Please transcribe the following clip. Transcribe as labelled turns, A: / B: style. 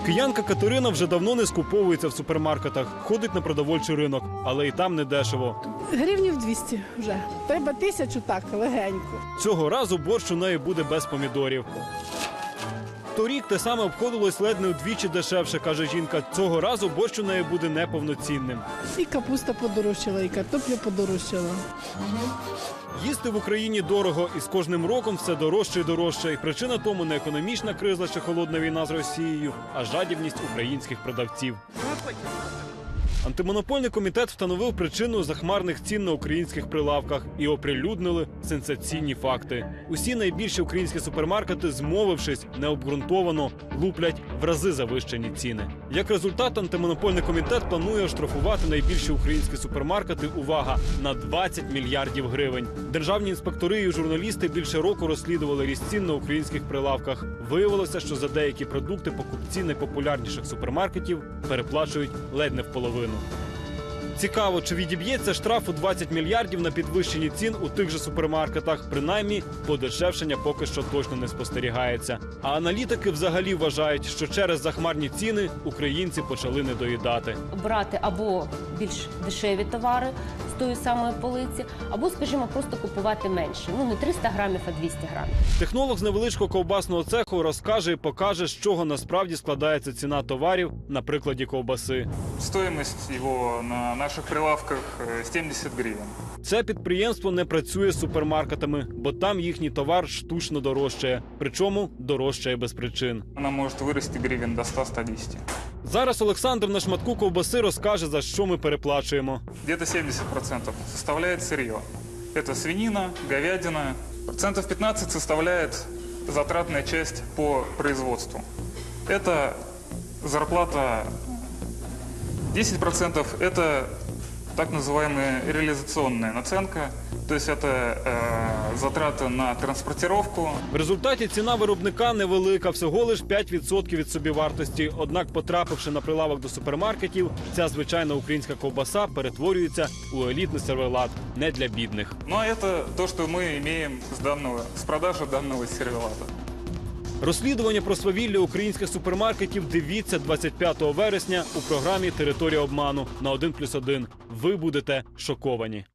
A: Киянка Катерина вже давно не скуповується в супермаркетах, ходить на продовольчий ринок, але і там не дешево.
B: Гривнів 200 вже. Треба 1000 так, легенько.
A: Цього разу борщ у неї буде без помідорів. Торік те саме обходилось ледь не вдвічі дешевше, каже жінка. Цього разу борщ у неї буде неповноцінним.
B: І капуста подорожчала, і картопля подорожчала.
A: Їсти в Україні дорого, і з кожним роком все дорожче і дорожче. І причина тому не економічна криза чи холодна війна з Росією, а жадібність українських продавців. Антимонопольний комітет встановив причину захмарних цін на українських прилавках і оприлюднили сенсаційні факти. Усі найбільші українські супермаркети, змовившись, необґрунтовано луплять в рази завищені ціни. Як результат, антимонопольний комітет планує оштрафувати найбільші українські супермаркети, увага, на 20 мільярдів гривень. Державні інспектори і журналісти більше року розслідували ріст цін на українських прилавках. Виявилося, що за деякі продукти покупці найпопулярніших супермаркетів переплачують ледь не в половину. Цікаво, чи відіб'ється штраф у 20 мільярдів на підвищенні цін у тих же супермаркетах. Принаймні, подешевшення поки що точно не спостерігається. А аналітики взагалі вважають, що через захмарні ціни українці почали недоїдати.
C: Брати або більш дешеві товари з тої самої полиці, або, скажімо, просто купувати менше. Не 300 грамів, а 200 грамів.
A: Технолог з невеличкого ковбасного цеху розкаже і покаже, з чого насправді складається ціна товарів на прикладі ковбаси.
D: Стоимость его на наших прилавках 70 гривен.
A: Це підприємство не працює з супермаркетами, бо там їхній товар штучно дорожчає. Причому дорожчає без причин.
D: Она может вырасти гривен до 100-110.
A: Зараз Олександр на шматку ковбаси розкаже, за що ми переплачуємо.
D: Где-то 70% составляет сырье. Это свинина, говядина. Процентов 15 составляет затратная часть по производству. Это зарплата. 10% это так называемая реализационная наценка, то есть это затраты на транспортировку.
A: В результаті ціна виробника невелика, всього лиш 5% від собівартості. Однак, потрапивши на прилавок до супермаркетів, ця звичайна українська ковбаса перетворюється у елітний сервелат, не для бідних.
D: Ну а это то, что мы имеем с продажи данного сервелата.
A: Розслідування про свавілля українських супермаркетів дивіться 25 вересня у програмі «Територія обману» на 1+1. Ви будете шоковані.